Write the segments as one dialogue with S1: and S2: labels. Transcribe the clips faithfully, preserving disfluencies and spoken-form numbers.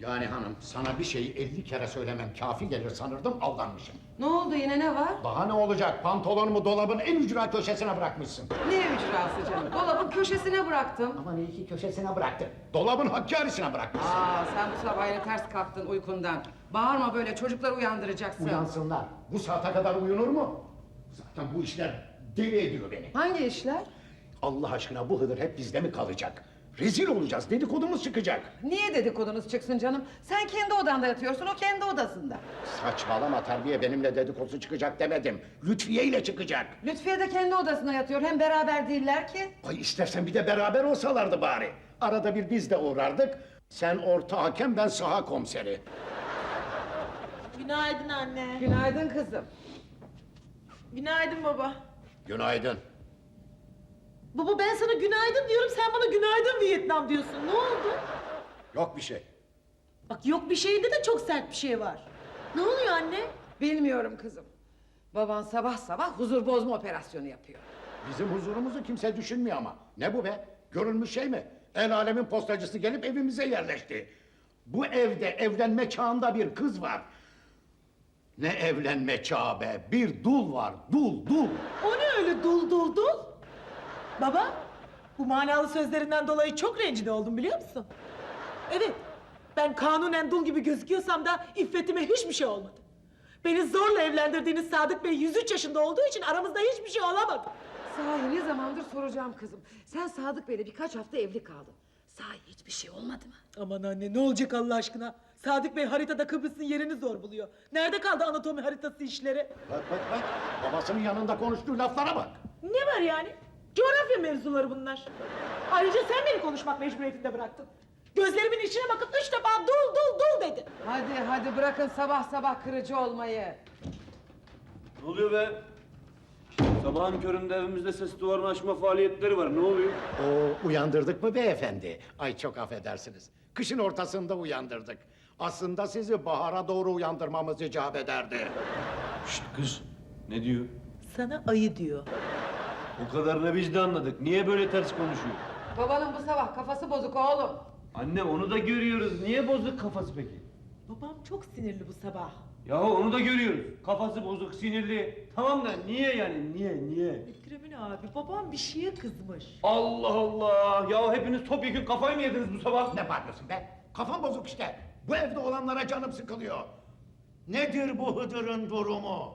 S1: Yani hanım, sana bir şeyi elli kere söylemem kafi gelir sanırdım, aldanmışım.
S2: Ne oldu, yine ne var?
S1: Daha ne olacak? Pantolonumu dolabın en ücra köşesine bırakmışsın.
S2: Ne ücrası canım? Dolabın köşesine bıraktım.
S1: Aman iyi ki köşesine bıraktın. Dolabın Hakkari'sine bırakmışsın.
S2: Aa, sen bu sabah yine ters kalktın uykundan. Bağırma böyle, çocukları uyandıracaksın.
S1: Uyansınlar. Bu saate kadar uyunur mu? Zaten bu işler deli ediyor beni.
S2: Hangi işler?
S1: Allah aşkına bu Hıdır hep bizde mi kalacak? Rezil olacağız, dedikodumuz çıkacak.
S2: Niye dedikodunuz çıksın canım? Sen kendi odanda yatıyorsun, o kendi odasında.
S1: Saçmalama Terbiye, benimle dedikodu çıkacak demedim. Lütfiye ile çıkacak.
S2: Lütfiye de kendi odasında yatıyor, hem beraber değiller ki.
S1: Ay istersen bir de beraber olsalardı bari. Arada bir biz de uğrardık. Sen orta hakem, ben saha komiseri.
S3: Günaydın anne.
S2: Günaydın kızım.
S3: Günaydın baba.
S1: Günaydın.
S3: Baba ben sana günaydın diyorum, sen bana günaydın Vietnam diyorsun. Ne oldu?
S1: Yok bir şey.
S3: Bak yok bir şeyde de çok sert bir şey var. Ne oluyor anne?
S2: Bilmiyorum kızım. Baban sabah sabah huzur bozma operasyonu yapıyor.
S1: Bizim huzurumuzu kimse düşünmüyor ama. Ne bu be? Görülmüş şey mi? El alemin postacısı gelip evimize yerleşti. Bu evde evlenme çağında bir kız var. Ne evlenme çağı be? Bir dul var, dul, dul.
S3: O ne öyle dul dul dul? Baba, bu manalı sözlerinden dolayı çok rencide oldum biliyor musun? Evet, ben kanunen dul gibi gözüküyorsam da iffetime hiçbir şey olmadı. Beni zorla evlendirdiğiniz Sadık Bey yüz üç yaşında olduğu için aramızda hiçbir şey olamadı.
S2: Sahi ne zamandır soracağım kızım. Sen Sadık Bey'le birkaç hafta evli kaldın. Sahi hiçbir şey olmadı mı?
S3: Aman anne ne olacak Allah aşkına? Sadık Bey haritada Kıbrıs'ın yerini zor buluyor. Nerede kaldı anatomi haritası işleri?
S1: Bak bak bak, babasının yanında konuştuğu laflara bak.
S3: Ne var yani? Coğrafya mevzuları bunlar. Ayrıca sen beni konuşmak mecburiyetinde bıraktın. Gözlerimin içine bakıp üç defa dul dul dul dedi.
S2: Hadi hadi bırakın sabah sabah kırıcı olmayı.
S4: Ne oluyor be? Sabahın köründe evimizde ses duvarını açma faaliyetleri var. Ne oluyor?
S1: Oo, uyandırdık mı beyefendi? Ay çok affedersiniz. Kışın ortasında uyandırdık. Aslında sizi bahara doğru uyandırmamız icap ederdi.
S4: Şşt kız. Ne diyor?
S3: Sana ayı diyor.
S4: O kadarını biz de anladık. Niye böyle ters konuşuyor?
S2: Babanın bu sabah kafası bozuk oğlum.
S4: Anne onu da görüyoruz. Niye bozuk kafası peki?
S3: Babam çok sinirli bu sabah.
S4: Yahu onu da görüyoruz. Kafası bozuk, sinirli. Tamam da niye yani? Niye, niye?
S3: Mükremin abi, babam bir şeye kızmış.
S4: Allah Allah! Ya hepiniz topyekun kafayı mı yediniz bu sabah?
S1: Ne bağırıyorsun be? Kafam bozuk işte. Bu evde olanlara canım sıkılıyor. Nedir bu Hıdır'ın durumu?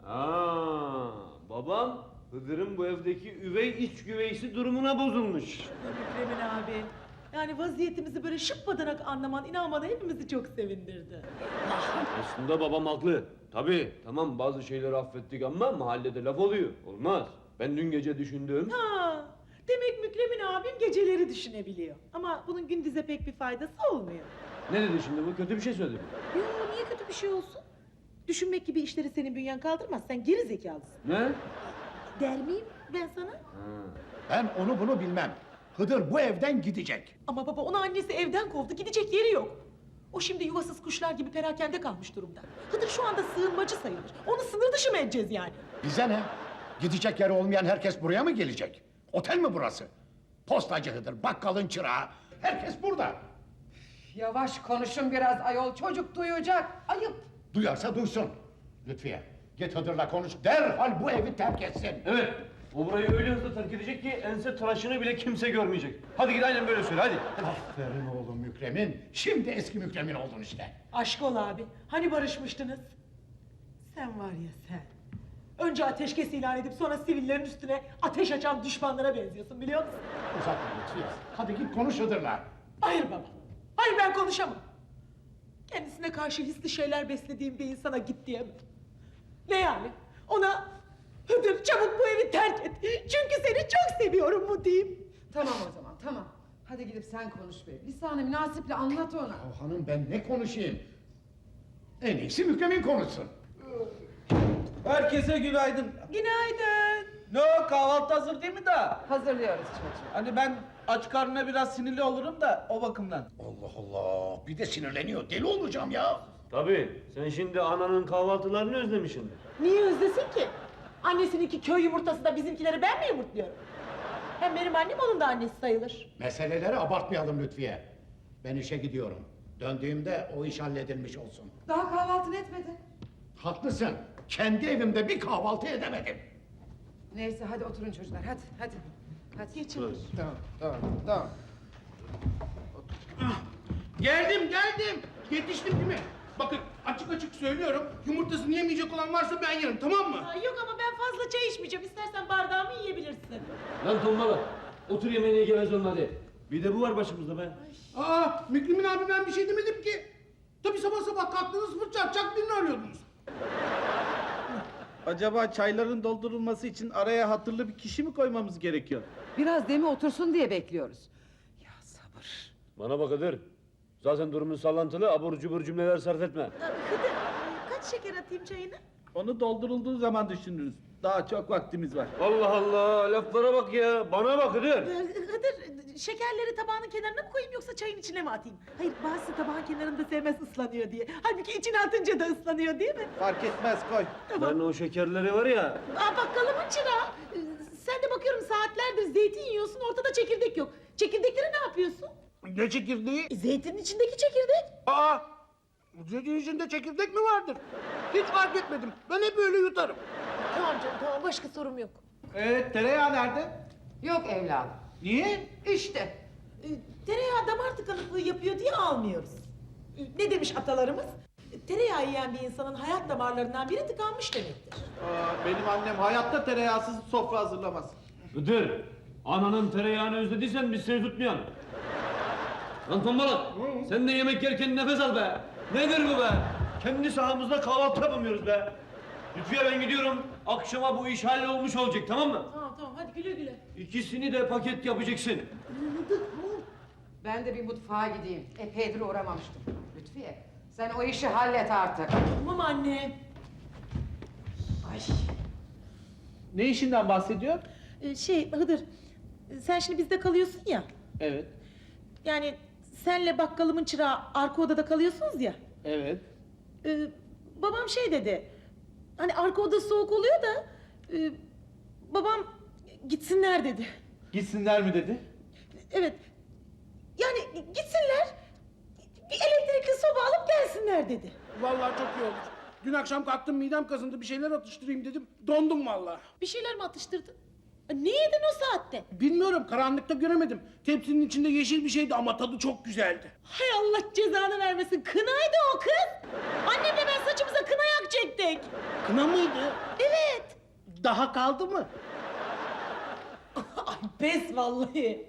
S4: Aa, babam Hıdır'ın bu evdeki üvey iç güveysi durumuna bozulmuş.
S3: Mükremin abi. Yani vaziyetimizi böyle şıppadanak anlaman, inanman hepimizi çok sevindirdi.
S4: Aslında babam haklı. Tabii, tamam bazı şeyleri affettik ama mahallede laf oluyor. Olmaz. Ben dün gece düşündüm.
S3: Ha, demek Mükremin abim geceleri düşünebiliyor. Ama bunun gündüze pek bir faydası olmuyor.
S4: Ne dedi şimdi bu? Kötü bir şey söyledi mi?
S3: Yo, niye kötü bir şey olsun? Düşünmek gibi işleri senin bünyen kaldırmaz. Sen geri zekalısın.
S4: Ne?
S3: Der miyim ben sana?
S4: Ha.
S1: Ben onu bunu bilmem. Hıdır bu evden gidecek.
S3: Ama baba onu annesi evden kovdu. Gidecek yeri yok. O şimdi yuvasız kuşlar gibi perakende kalmış durumda. Hıdır şu anda sığınmacı sayılır. Onu sınır dışı mı edeceğiz yani?
S1: Bize ne? Gidecek yeri olmayan herkes buraya mı gelecek? Otel mi burası? Postacı Hıdır, bakkalın çırağı. Herkes burada.
S2: Yavaş konuşun biraz ayol, çocuk duyacak. Ayıp.
S1: Duyarsa duysun. Lütfiye, git Hıdır'la konuş. Derhal bu evi terk etsin.
S4: Evet. O burayı öyle hızlı terk edecek ki ense tıraşını bile kimse görmeyecek. Hadi git aynen böyle söyle hadi.
S1: Aferin oğlum Mükremin. Şimdi eski Mükremin oldun işte.
S3: Aşk ol abi. Hani barışmıştınız? Sen var ya sen. Önce ateşkes ilan edip sonra sivillerin üstüne ateş açan düşmanlara benziyorsun biliyor musun?
S1: Uzatma Lütfiye. Hadi git konuş Hıdır'la.
S3: Hayır baba. Hayır ben konuşamam. Kendisine karşı hisli şeyler beslediğim bir insana git diyemem. Ne yani? Ona Hıdır çabuk bu evi terk et. Çünkü seni çok seviyorum mu diyeyim.
S2: Tamam o zaman, tamam. Hadi gidip sen konuş be. Lisan-ı münasiple anlat ona.
S1: Ya hanım ben ne konuşayım? En iyisi Mükremin konuşsun.
S5: Herkese günaydın.
S3: Günaydın.
S5: Ne o, kahvaltı hazır değil mi daha?
S2: Hazırlıyoruz çocuğu.
S5: Hani ben aç karnına biraz sinirli olurum da o bakımdan.
S1: Allah Allah, bir de sinirleniyor. Deli olacağım ya.
S4: Tabii. Sen şimdi ananın kahvaltılarını özlemişsindir.
S3: Niye özlesin ki? Annesininki köy yumurtası da bizimkileri ben mi yumurtluyorum? Hem benim annem onun da annesi sayılır.
S1: Meseleleri abartmayalım Lütfiye. Ben işe gidiyorum. Döndüğümde o iş halledilmiş olsun.
S2: Daha kahvaltını etmedin.
S1: Haklısın. Kendi evimde bir kahvaltı edemedim.
S2: Neyse hadi oturun çocuklar hadi hadi. Hadi.
S3: Geçin.
S5: Tamam, tamam, tamam. Ah, Geldim, geldim. Yetiştim değil mi? Bakın açık açık söylüyorum. Yumurtasını yemeyecek olan varsa ben yerim, tamam mı?
S3: Aa, yok ama ben fazla çay içmeyeceğim. İstersen bardağımı yiyebilirsin.
S4: Lan tombala. Otur yemeğine gevez olma hadi. Bir de bu var başımızda be.
S5: Aa, Mükrimin abi ben bir şey demedim ki. Tabii sabah sabah kalktınız fırça atacak birini arıyordunuz. Acaba çayların doldurulması için araya hatırlı bir kişi mi koymamız gerekiyor?
S2: Biraz demi otursun diye bekliyoruz. Ya sabır.
S4: Bana bak Hıdır. Zaten durumun sallantılı, abur cubur cümleler sarf etme.
S3: Aa, Hıdır, kaç şeker atayım çayına?
S5: Onu doldurulduğu zaman düşünürüz. Daha çok vaktimiz var.
S4: Allah Allah, laflara bak ya. Bana bak Hıdır.
S3: Ee, Hıdır, şekerleri tabağın kenarına mı koyayım yoksa çayın içine mi atayım? Hayır, bazısı tabağın kenarında sevmez ıslanıyor diye. Halbuki içine atınca da ıslanıyor değil mi?
S5: Fark etmez koy.
S4: Ben o şekerleri var ya.
S3: Aa, bakkalımın çırağı. Ee, Sen de bakıyorum saatlerdir zeytin yiyorsun, ortada çekirdek yok. Çekirdekleri ne yapıyorsun?
S5: Ne çekirdeği?
S3: E, zeytinin içindeki çekirdek.
S5: Aa! Zeytin içinde çekirdek mi vardır? Hiç fark etmedim. Ben hep öyle yutarım.
S3: Tamam canım, tamam. Başka sorum yok.
S5: Evet, tereyağı nerede?
S2: Yok evladım.
S5: Niye?
S2: İşte.
S3: Ee, Tereyağı damar tıkanıklığı yapıyor diye almıyoruz. Ee, Ne demiş atalarımız? Ee, Tereyağı yiyen bir insanın hayat damarlarından biri tıkanmış demektir.
S5: Aa, benim annem hayatta tereyağsız sofra hazırlamaz.
S4: Hıdır. Ananın tereyağını özlediysen biz seni tutmayalım. Lan tombala. Sen de yemek yerken nefes al be. Nedir bu be? Kendi sahamızda kahvaltı yapamıyoruz be. Lütfiye ben gidiyorum. Akşama bu iş hallolmuş olacak tamam mı?
S3: Tamam tamam, hadi güle güle.
S4: İkisini de paket yapacaksın.
S2: Ben de bir mutfağa gideyim. Epeydir uğramamıştım. Lütfiye sen o işi hallet artık.
S3: Tamam anne.
S2: Ay.
S5: Ne işinden bahsediyor?
S3: Ee, şey Hıdır, sen şimdi bizde kalıyorsun ya.
S5: Evet,
S3: Yani senle bakkalımın çırağı arka odada kalıyorsunuz ya.
S5: evet.
S3: Ee, babam şey dedi. Hani arka oda soğuk oluyor da e, babam gitsinler dedi.
S5: Gitsinler mi dedi?
S3: Evet. Yani gitsinler. Bir elektrikli soba alıp gelsinler dedi.
S5: Vallahi çok iyi olur. Dün akşam kalktım midem kazındı bir şeyler atıştırayım dedim. Dondum vallahi.
S3: Bir şeyler mi atıştırdın? Ne yedin o saatte?
S5: Bilmiyorum karanlıkta göremedim. Tepsinin içinde yeşil bir şeydi ama tadı çok güzeldi.
S3: Hay Allah cezanı vermesin. Kınaydı o kız. Annemle ben saçımıza kına yakacaktık.
S5: Kına mıydı?
S3: Evet.
S5: Daha kaldı mı?
S3: Ay pes vallahi.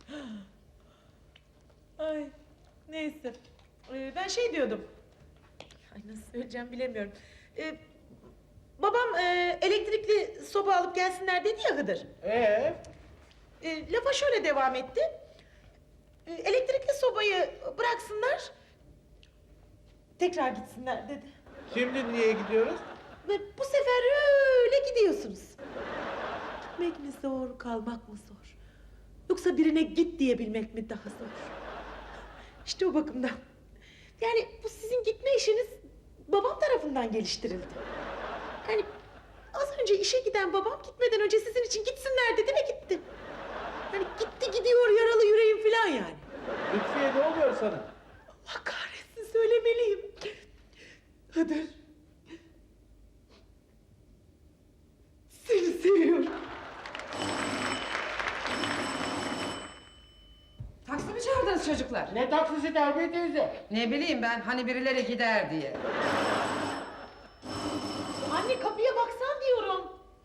S3: Ay neyse. Ee, ben şey diyordum. Ay nasıl söyleyeceğim bilemiyorum. Ee, babam e, elektrikli soba alıp gelsinler dedi ya Hıdır.
S5: Ee?
S3: E, lafa şöyle devam etti. E, elektrikli sobayı bıraksınlar. Tekrar gitsinler dedi.
S5: Şimdi niye gidiyoruz?
S3: Ve bu sefer öyle gidiyorsunuz. Gitmek mi zor, kalmak mı zor? Yoksa birine git diyebilmek mi daha zor? İşte o bakımdan. Yani bu sizin gitme işiniz babam tarafından geliştirildi. Yani az önce işe giden babam gitmeden önce sizin için gitsinler dedi ve gitti. Yani gitti gidiyor yaralı yüreğim falan yani.
S5: Lütfiye ne oluyor sana?
S3: Allah kahretsin söylemeliyim. Hıdır. Seni seviyorum.
S2: Taksi mi çağırdınız çocuklar?
S5: Ne taksisi Terbiye teyze?
S2: Ne bileyim ben hani birileri gider diye.
S3: Anne kapıya baksan diyorum.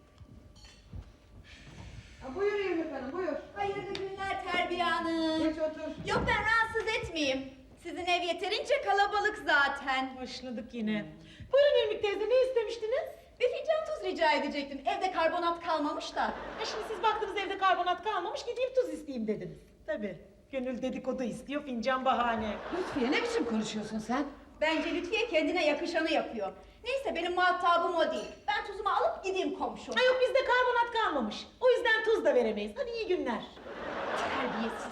S2: Ha, buyur Yumruk Hanım buyur.
S6: Hayırlı günler Terbiye Hanım.
S2: Geç otur.
S6: Yok ben rahatsız etmeyeyim. Sizin ev yeterince kalabalık zaten.
S3: Başladık yine. Buyurun Irmik teyze ne istemiştiniz?
S6: Bir fincan tuz rica edecektim. Evde karbonat kalmamış da.
S3: Ha şimdi siz baktınız evde karbonat kalmamış gideyim tuz isteyeyim dediniz. Tabii. Gönül dedikodu istiyor fincan bahane.
S2: Lütfiye ne biçim konuşuyorsun sen?
S6: Bence Lütfiye kendine yakışanı yapıyor. Neyse benim muhatabım o değil. Ben tuzumu alıp gideyim komşum.
S3: Ha yok bizde karbonat kalmamış. O yüzden tuz da veremeyiz. Hadi iyi günler.
S6: Terbiyesiz.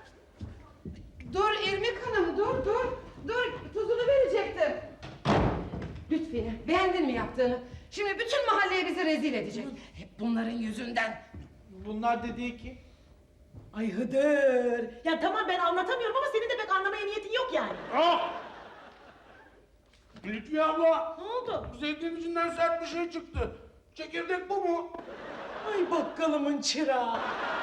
S2: Dur İrmik Hanım dur dur. Dur tuzunu verecektim. Lütfiye beğendin mi yaptığını? Şimdi bütün mahalleye bizi rezil edecek. Hep bunların yüzünden.
S5: Bunlar dediği ki.
S3: Ay Hıdır. Ya tamam ben anlatamıyorum ama senin de pek anlamaya niyetin yok yani.
S5: Ah! Lütfiye abla.
S3: Ne oldu?
S5: Zeytin içinden sert bir şey çıktı. Çekirdek bu mu?
S3: Ay bakkalımın çırağı.